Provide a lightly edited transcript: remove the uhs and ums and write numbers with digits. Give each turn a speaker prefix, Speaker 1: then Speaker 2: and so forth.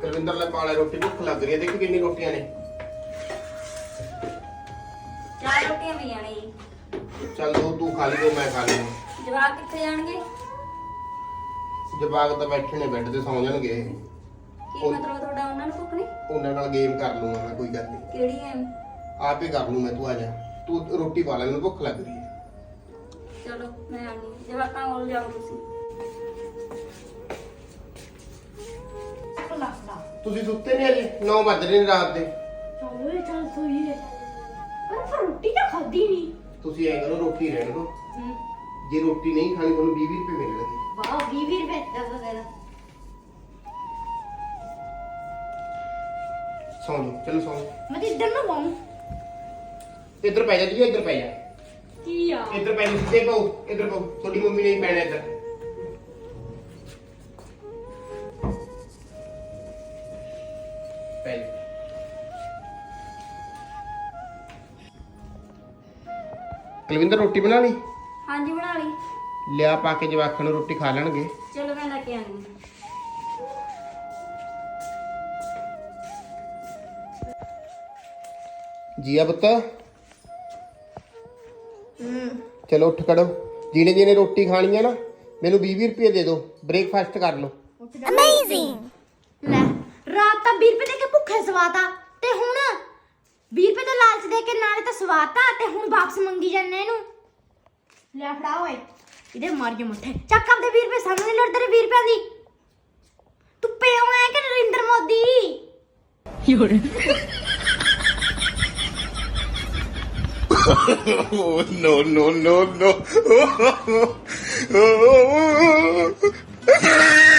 Speaker 1: ਕੁਲਵਿੰਦਰ ਲੈ ਪਾਲੇ ਰੋਟੀ ਭੁੱਖ ਲੱਗ ਰਹੀ ਹੈ। ਦੇਖੀ ਕਿੰਨੀ ਰੋਟੀਆਂ ਨੇ।
Speaker 2: 4 ਰੋਟੀਆਂ ਪਈਆਂ ਨੇ ਜੀ।
Speaker 1: ਚੱਲ ਦੋ ਤੂੰ ਖਾ ਲਈ, ਦੋ ਮੈਂ ਖਾ ਲਈ।
Speaker 2: ਜਵਾਕ ਕਿੱਥੇ ਜਾਣਗੇ?
Speaker 1: ਜਵਾਕ ਤਾਂ ਬੈਠੇ ਨੇ ਬੈੱਡ ਤੇ ਸੌਂ ਜਾਣਗੇ।
Speaker 2: ਕੀ ਮਤਲਬ ਤੁਹਾਡਾ? ਉਹਨਾਂ ਨੂੰ ਭੁੱਖ ਨਹੀਂ?
Speaker 1: ਉਹਨਾਂ ਨਾਲ ਗੇਮ ਕਰ ਲੂੰਗਾ ਮੈਂ, ਕੋਈ ਗੱਲ ਨਹੀਂ।
Speaker 2: ਕਿਹੜੀ ਗੇਮ?
Speaker 1: ਆਪ ਹੀ ਕਰ ਲੂੰ ਮੈਂ, ਤੂੰ ਆ ਜਾ। ਤੂੰ ਰੋਟੀ ਪਾ ਲੈ, ਮੈਨੂੰ ਭੁੱਖ ਲੱਗ ਰਹੀ ਹੈ।
Speaker 2: ਚਲੋ ਮੈਂ ਆਣੀ। ਜਵਾਕਾਂ ਕੋਲ ਜਾਓ ਤੁਸੀਂ।
Speaker 1: ਤੁਸੀਂ ਸੁੱਤੇ ਨਹੀਂ ਅਜੇ? 9 ਵੱਜ ਰਹੇ ਨੇ ਰਾਤ ਦੇ।
Speaker 3: ਚਲੋ ਚੱਲ ਸੋਈਏ। ਪਰ ਫਿਰ ਰੋਟੀ ਤਾਂ ਖਾਦੀ ਨਹੀਂ।
Speaker 1: ਤੁਸੀਂ ਐ ਕਰੋ, ਰੋਟੀ ਰਹਿਣ ਦਿਓ। ਜੇ ਰੋਟੀ ਨਹੀਂ ਖਾਣੀ ਤੁਹਾਨੂੰ 20 ਰੁਪਏ ਮਿਲਣਗੇ।
Speaker 3: ਵਾਹ 20 ਰੁਪਏ ਦਾ ਵਗੈਰਾ।
Speaker 1: ਸੌਂ ਜਾਓ, ਚਲੋ ਸੌਂ ਜਾਓ।
Speaker 3: ਮੈਂ ਤਾਂ ਇੱਧਰ ਨੂੰ ਪਾਉਂ।
Speaker 1: ਇੱਧਰ ਪੈ ਜਾ ਜੀ, ਇੱਧਰ ਪੈ ਜਾ।
Speaker 3: ਕੀ ਆ?
Speaker 1: ਇੱਧਰ ਪੈ ਜਾ, ਸਿੱਧੇ ਪਾਓ, ਇੱਧਰ ਪਾਓ। ਤੁਹਾਡੀ ਮੰਮੀ ਨੇ ਹੀ ਪੈਣਾ ਇੱਧਰ। ਪੈ ਜਾ। ਕੁਲਵਿੰਦਰ ਰੋਟੀ ਬਣਾ ਲਈ?
Speaker 2: ਹਾਂਜੀ ਬਣਾ ਲਈ।
Speaker 1: ਲਿਆ ਪਾ ਕੇ ਜਵਾਕਾਂ ਨੂੰ ਰੋਟੀ ਖਾ ਲੈਣਗੇ।
Speaker 2: ਚਲੋ ਮੈਂ ਲੈ ਕੇ ਆਣੀ।
Speaker 1: ਜੀਆ ਪੁੱਤ, ਚਲੋ ਉੱਠ ਖੜੋ। ਜਿਹਨੇ ਜਿਹਨੇ ਰੋਟੀ ਖਾਣੀ ਹੈ ਨਾ, ਮੈਨੂੰ 20 ਰੁਪਏ ਦੇ ਦਿਓ, ਬ੍ਰੇਕਫਾਸਟ ਕਰ ਲਓ।
Speaker 3: ਅਮੇਜ਼ਿੰਗ। ਲੈ ਰਾਤ ਤਾਂ 20 ਰੁਪਏ ਦੇ ਕੇ ਭੁੱਖੇ ਸਵਾਤਾ ਤੇ ਹੁਣ 20 ਰੁਪਏ ਦਾ ਲਾਲਚ ਦੇ ਕੇ ਨਾਲੇ ਤਾਂ ਸਵਾਤਾ ਤੇ ਹੁਣ ਵਾਪਸ ਮੰਗੀ ਜਾਂਦੇ ਇਹਨੂੰ। ਲੈ ਫੜਾ ਓਏ, ਇਹਦੇ ਮਾਰੀਏ ਮੁੱਠੇ। ਚੱਕ ਆਪਦੇ 20 ਰੁਪਏ ਸਾਨੂੰ ਨਹੀਂ ਲੋੜ ਤੇਰੇ 20 ਰੁਪਏ ਦੀ। ਤੂੰ ਪਿਓ ਐ ਕਿ Narendra Modi?
Speaker 1: Oh, no, no, no, no.